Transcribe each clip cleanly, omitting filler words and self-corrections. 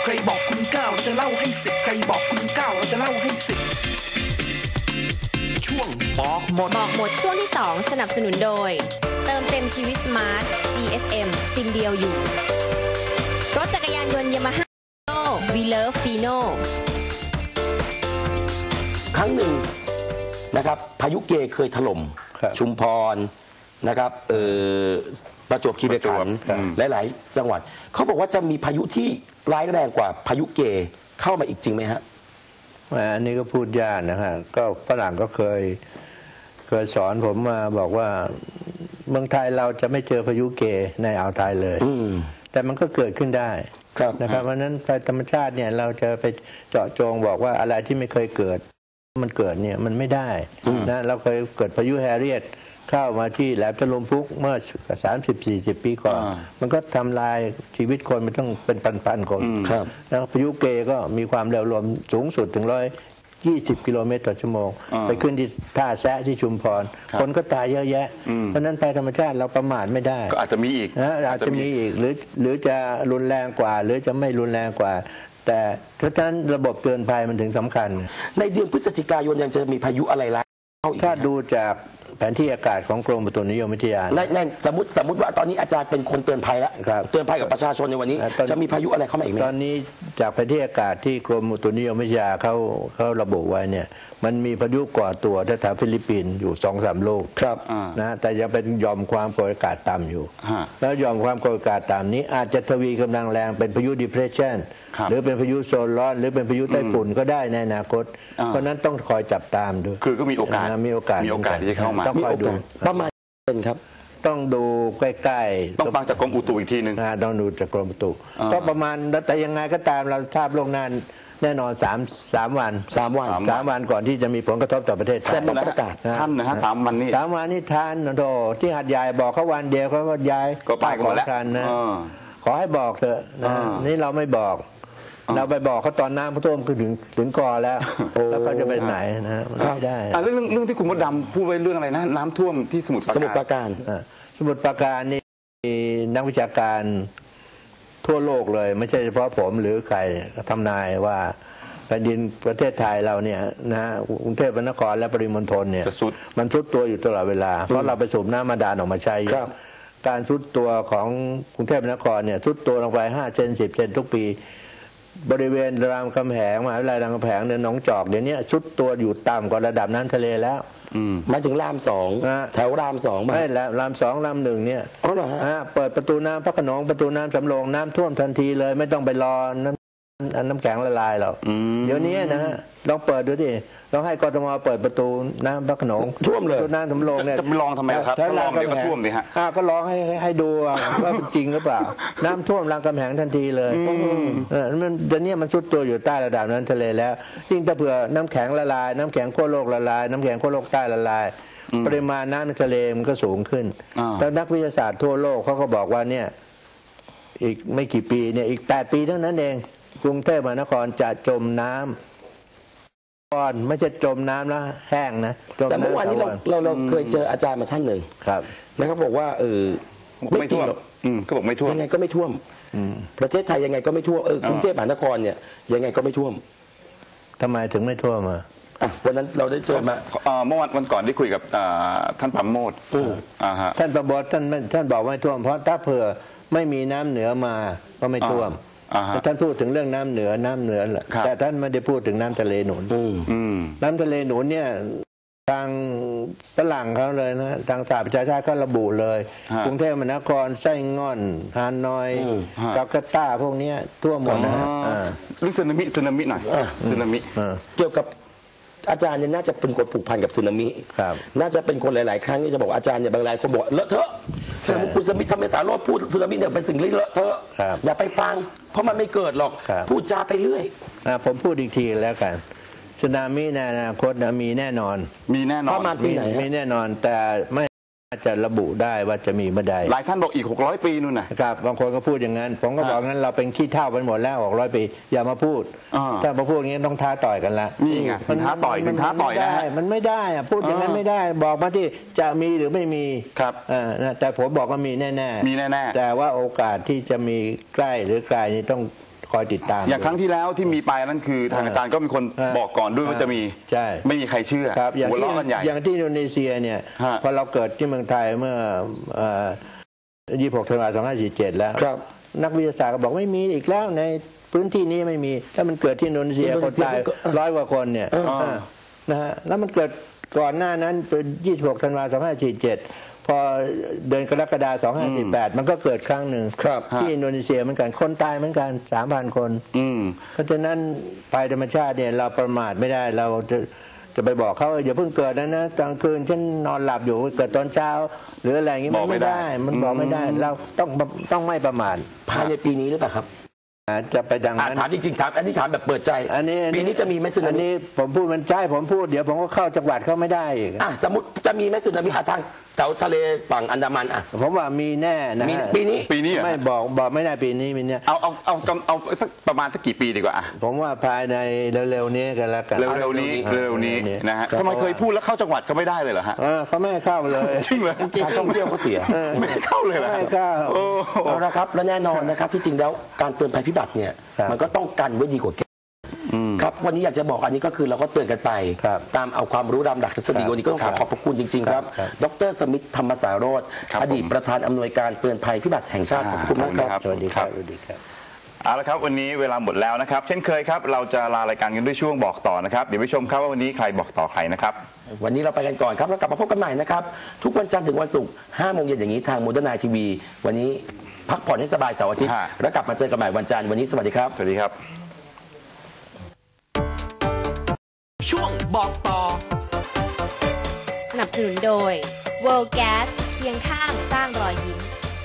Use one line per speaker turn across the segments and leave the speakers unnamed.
ใครบอกคุณ9เราจะเล่าให้10ใครบอกคุณ9เราจะเล่าให้10ช่วงบอกหมด
ช่วงที่2สนับสนุนโดยเติมเต็มชีวิตสมาร์ท GSM ซิมเดียวอยู่รถจักรยานยนต์ Yamaha We Love Fino
ครั้งหนึ่งนะครับพายุเกเคยถล่มชุมพรนะครับประจวบคีรีขันธ์หลายๆจังหวัดเขาบอกว่าจะมีพายุที่ร้ายแรงกว่าพายุเกเข้ามาอีกจริงไหมฮะ
อันนี้ก็พูดยากนะฮะก็ฝรั่งก็เคยสอนผมมาบอกว่าเมืองไทยเราจะไม่เจอพายุเกในอ่าวไทยเลยแต่มันก็เกิดขึ้นได้นะครับเพราะฉะนั้นภัยธรรมชาติเนี่ยเราจะไปเจาะจงบอกว่าอะไรที่ไม่เคยเกิดมันเกิดเนี่ยมันไม่ได้นะเราเคยเกิดพายุแฮร์เรียตเข้ามาที่แหลมตะลุมพุกเมื่อ 30-40 ปีก่อนมันก็ทำลายชีวิตคนมันต้องเป็นพันๆคนแล้วพายุเกก็มีความเร็วลมสูงสุดถึง120 กิโลเมตรต่อชั่วโมงไปขึ้นที่ท่าแซะที่ชุมพรคนก็ตายเยอะแยะเพราะนั้นภัยธรรมชาติเราประมาทไม่ได้
ก็อาจจะมีอีก
อาจจะมีอีกหรือจะรุนแรงกว่าหรือจะไม่รุนแรงกว่าแต่ถ้าฉะนั้นระบบเตือนภัยมันถึงสำคัญ
ในเดือนพฤศจิกายนยังจะมีพายุอะไรล่ะ
ถ้าดูจากแผนที่อากาศของกรมอุตุนิยมวิทยา
ในสมมติว่าตอนนี้อาจารย์เป็นคนเตือนภัยแล้วเตือนภัยกับประชาชนในวันนี้จะมีพายุอะไรเข้ามาอีกไหม
ตอนนี้จากแผนที่อากาศที่กรมอุตุนิยมวิทยาเขาระบุไว้เนี่ยมันมีพายุก่อตัวแถวฟิลิปปินส์อยู่ 2-3 ลูกนะแต่ยังเป็นหย่อมความกดอากาศต่ำอยู่แล้วหย่อมความกดอากาศต่ำนี้อาจจะทวีกำลังแรงเป็นพายุ depression หรือเป็นพายุโซนร้อนหรือเป็นพายุไต้ฝุ่นก็ได้ในอนาคตเพราะนั้นต้องคอยจับตามดู
คือก็มีโอกาสที่จะเข้ามา
ต้องคอยดู
ประมาณเป็นครับ
ต้องดูใกล้ๆ
ต้องฟังจากกรมอุตุอีกทีนึง
ต้องดูจากกรมอุตุก็ประมาณแต่ยังไงก็ตามเราทราบล่วงหน้าแน่นอน3 วันก่อนที่จะมีผลกระทบต่อประเทศไทย
แต่ต้องประกาศ
ท่านนะฮะ3 วัน
นี้ท่านโธ่ที่หัดใหญ่บอกเขาวันเดียวเขาก็ย้าย
ก็ไปกันแล้ว
นะขอให้บอกเถอะนะนี่เราไม่บอกเราไปบอกเขาตอนน้ำท่วมถึงกอแล้วเขาจะไปไหนนะไม่ได้
เรื่องที่คุณมดดำพูดไว้เรื่องอะไรนะน้ำท่วมที่สมุทรปราการ
นี่นักวิชาการทั่วโลกเลยไม่ใช่เฉพาะผมหรือใครทำนายว่าแผ่นดินประเทศไทยเราเนี่ยนะกรุงเทพมหานครและปริมณฑลเนี่ยมันทรุดตัวอยู่ตลอดเวลาเพราะเราไปสูบน้ำบาดาลออกมาใช้การทรุดตัวของกรุงเทพมหานครเนี่ยทรุดตัวลงไป5 เซน 10 เซนทุกปีบริเวณรามคำแหงมหาวิทยาลัยรามคำแหงเนี่ยหนองจอกเดี๋ยวนี้ทรุดตัวอยู่ต่ำกว่าระดับน้ำทะเลแล้ว
มาถึงราม2แถวราม2
ไม่แล้วราม2ราม1เนี่ยเปิดประตูน้ำพระโขนงประตูน้ำสำโรงน้ำท่วมทันทีเลยไม่ต้องไปรอน้ำแข็งละลายหรอกเดี๋ยวนี้นะฮะลองเปิดดูดิลองให้กทมเปิดประตูน้ำพระโขนง
ท่วมเลย
ประตูน้ำสำโรงเนี่ย
จะไปลองทำไมครับก็ลองเดี๋ยวก็ท่วมดิฮะ
ก็ลองให้ดูว่าเป็นจริงหรือเปล่าน้ำท่วมรามคำแหงทันทีเลยมันเดี๋ยวนี้มันซุดตัวอยู่ใต้ระดับน้ำทะเลแล้วยิ่งถ้าเผื่อน้ำแข็งละลายน้ำแข็งขั้วโลกละลายน้ำแข็งขั้วโลกใต้ละลายปริมาณน้ำในทะเลมันก็สูงขึ้นแล้วนักวิทยาศาสตร์ทั่วโลกเขาก็บอกว่าเนี่ยอีกไม่กี่ปีเนี่ยอีก8 ปีเท่านั้นเองกรุงเทพมหานครจะจมน้ำก่อนไม่ใช่จมน้ำแล้วแห้งนะ
แต่เมื่อวานนี้เราเคยเจออาจารย์มาท่านหนึ่งแล้วเขาบอกว่า
ไม่ท่วมก็บอกไม่ท่วม
ยังไงก็ไม่ท่วมประเทศไทยยังไงก็ไม่ท่วมกรุงเทพมหานครเนี่ยยังไงก็ไม่ท่วม
ทำไมถึงไม่ท่วม
วันนั้นเราได้เจอมา
เมื่อวันก่อนได้คุยกับท่านปราโมทย์
ท่านปราโมทย์ท่านบอกไม่ท่วมเพราะถ้าเผื่อไม่มีน้ำเหนือมาก็ไม่ท่วมท่านพูดถึงเรื่องน้ำเหนือแต่ท่านไม่ได้พูดถึงน้ำทะเลหนุนน้ำทะเลหนุนเนี่ยทางฝรั่งเขาเลยนะทางสหประชาชาติเขาระบุเลยกรุงเทพมหานครไส้ง่อนฮานอยจาการ์ตาพวกนี้ทั่วหมดนะ
เรื่องสึนามิหน่อยสึนามิ
เกี่ยวกับอาจารย์เนี่ยน่าจะเป็นคนผูกพันกับสึนามิน่าจะเป็นคนหลายๆครั้งที่จะบอกอาจารย์เนี่ยบางรายคนบอกเลอะเทอะคุณสมิธทำไมสารโรจน์พูดสึนามิเนี่ยเป็นสิ่งเลอะเทอะอย่าไปฟังเพราะมันไม่เกิดหรอกพูดจาไปเรื่อย
ผมพูดอีกทีแล้วกันสึนามิในอนาคตมีแน่นอน
ประมาณปีไหน
มีแน่นอนแต่ไม่จะระบุได้ว่าจะมีเมื่อใด
หลายท่านบอกอีก600 ปีนู่น
นะครับบางคนก็พูดอย่างนั้นผมก็บอกงั้นเราเป็นขี้เท่าไปหมดแล้ว600 ปีอย่ามาพูดถ้ามาพูดอย่างนี้ต้องท้าต่อยกันละ
นี่ไงท้าต่อยนะฮะ
มันไม่ได้พูดอย่างนั้นไม่ได้บอกมาที่จะมีหรือไม่มี
ครับ
แต่ผมบอกว่ามีแน่
ๆ
แต่ว่าโอกาสที่จะมีใกล้หรือไกลนี่ต้องขคอยติดตาม
อย่างครั้งที่แล้วที่มีไปนั่นคือทางอาจารย์ก็มีคนบอกก่อนด้วยว่าจะมี
ใช่
ไม่มีใครเชื่อ
ครับอย่าง
หัว
ที่
เราะกันใหญ่
อย่างที่อินโดนีเซียเนี่ย
ฮะ
พอเราเกิดที่เมืองไทยเมื่อ26 ธันวาคม 2547 แล้ว
ครับ
นักวิทยาศาสตร์ก็บอกไม่มีอีกแล้วในพื้นที่นี้ไม่มีถ้ามันเกิดที่อินโดนีเซีย
อินโด
ค
นี
น
เซีย
ตาย
ก็
100 กว่าคนเนี่ยนะฮะแล้วมันเกิดก่อนหน้านั้นเป็น 26 ธันวาคม 2547 พอเดือนกรกฎาคม 2548 มันก็เกิดครั้งหนึ่ง
ครับ
ที่อินโดนีเซียเหมือนกันคนตายเหมือนกัน 3,000 คน เพราะฉะนั้นภัยธรรมชาติเนี่ยเราประมาทไม่ได้เราจะไปบอกเขาอย่าเพิ่งเกิดนะกลางคืนฉันนอนหลับอยู่เกิดตอนเช้า หรืออะไรอย่างงี้มันไม่ได้มันบอกไม่ได้เราต้องไม่ประมาท
ภายในปีนี้หรือเปล่าครับ
จะไปดังนั้น
ถามจริงๆถามอันนี้ถามแบบเปิดใจ ปีนี้จะมีไหมสึนา
อัน
มิ
นี้ผมพูดมันใช่ผมพูดเดี๋ยวผมก็เข้าจังหวัดเขาไม่ได้อีก
สมมติจะมีไหมสึนามิทางแถวทะเลฝั่งอันดามัน
ผมว่ามีแน่นะ
มีปีนี้
ไม่บอกไม่ได้ปีนี้มีเนี่ย
เอาสักประมาณสักกี่ปีดีกว่า
ผมว่าภายในเร็วๆนี้กันแล้วกัน
เร็วๆนี้นะฮะทำไมเคยพูดแล้วเข้าจังหวัดก็ไม่ได้เลยเหรอฮะ
เขาไม่ให้เข้าเลย
จริงเหรอ
การท่องเที่ยวเขาเสีย
ไม่ให้เข้าเลยเหรอ
ไม่ให้เข้า
โอ้
เอาละครับและแน่นอนนะครับที่จริงแล้วการเตือนภัยพิบัติเนี่ย
ครับ
มันก็ต้องกันไว้ดีกว่าแก้ครับวันนี้อยากจะบอกอันนี้ก็คือเราก็เตือนกันไป
ครับ
ตามเอาความรู้ตามหลักทฤษฎี
ครับ
วันนี้ก็ต้องขอพระคุณจริงๆครับ
ครับ
ดรสมิทธธรรมสารโรธ
ครับ
อดีตประธานอำนวยการเตือนภัยพิบัติแห่งชาติขอบคุณมากครับ
สวัสดีครับสวัสดีครับ
เอาละครับวันนี้เวลาหมดแล้วนะครับ เช่นเคยครับเราจะลารายการกันด้วยช่วงบอกต่อนะครับเดี๋ยวไปชมครับว่าวันนี้ใครบอกต่อใครนะครับ
วันนี้เราไปกันก่อนครับแล้วกลับมาพบกันใหม่นะครับทุกวันจันทร์ถึงวันศุกร์5 โมงเย็นอย่างนี้ทางโมเดิร์นไนทีวีวันนี้พักผ่อนให้สบายเสาร์อาทิตย์
ฮะ
แล้วกลับมาเจอกันใหม่วันจันทร์วันนี้สวัสดีครับ
สวัสดีครับ
ช่วงบอกต่อ
สนับสนุนโดย World Gas เคียงข้างสร้างรอยยิ้ม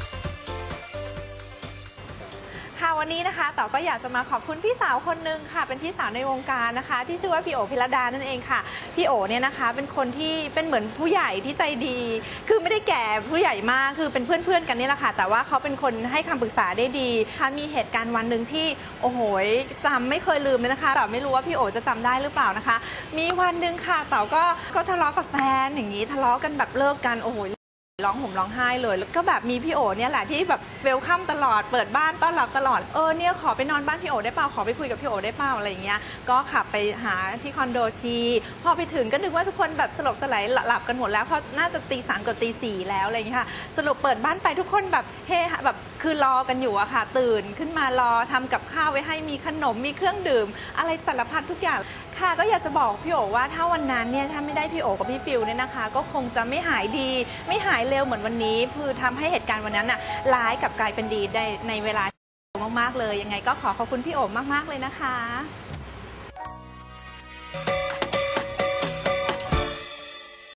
ค่ะวันนี้นะคะต่อก็อยากจะมาขอบคุณพี่สาวคนนึงค่ะเป็นพี่สาวในวงการนะคะ ที่ชื่อว่าพี่โอพิรดานั่นเองค่ะพี่โอเนี่ยนะคะเป็นคนที่เป็นเหมือนผู้ใหญ่ที่ใจดี คือไม่ได้แก่ผู้ใหญ่มากคือเป็นเพื่อนๆกันนี่แหละค่ะแต่ว่าเขาเป็นคนให้คำปรึกษาได้ดีค่ะมีเหตุการณ์วันหนึ่งที่โอ้โหจำไม่เคยลืมเลยนะคะแต่ไม่รู้ว่าพี่โอจะจำได้หรือเปล่านะคะ มีวันหนึ่งค่ะเต๋าก็ทะเลาะกับแฟนอย่างนี้ทะเลาะกันแบบเลิกกันโอ้โหร้องห่มร้องไห้เลยแล้วก็แบบมีพี่โอเนี่ยแหละที่แบบเวลคัมตลอดเปิดบ้านต้อนรับตลอดเนี่ยขอไปนอนบ้านพี่โอได้เปล่าขอไปคุยกับพี่โอได้เปล่าอะไรอย่างเงี้ยก็ขับไปหาที่คอนโดชีพอไปถึงก็นึกว่าทุกคนแบบสลบสลายหลับกันหมดแล้วเพราะน่าจะตี 3กับตี 4แล้วอะไรอย่างเงี้ยค่ะสรุปเปิดบ้านไปทุกคนแบบเฮแบบคือรอกันอยู่อะค่ะตื่นขึ้นมารอทำกับข้าวไว้ให้มีขนมมีเครื่องดื่มอะไรสารพัดทุกอย่างค่ะก็อยากจะบอกพี่โอว่าถ้าวันนั้นเนี่ยถ้าไม่ได้พี่โอกับพี่ฟิวเนี่ยนะคะก็คงจะไม่หายดีไม่หายเร็วเหมือนวันนี้คือทำให้เหตุการณ์วันนั้นน่ะร้ายกลับกลายเป็นดีในเวลามากๆเลยยังไงก็ขอบคุณพี่โอมากๆเลยนะคะ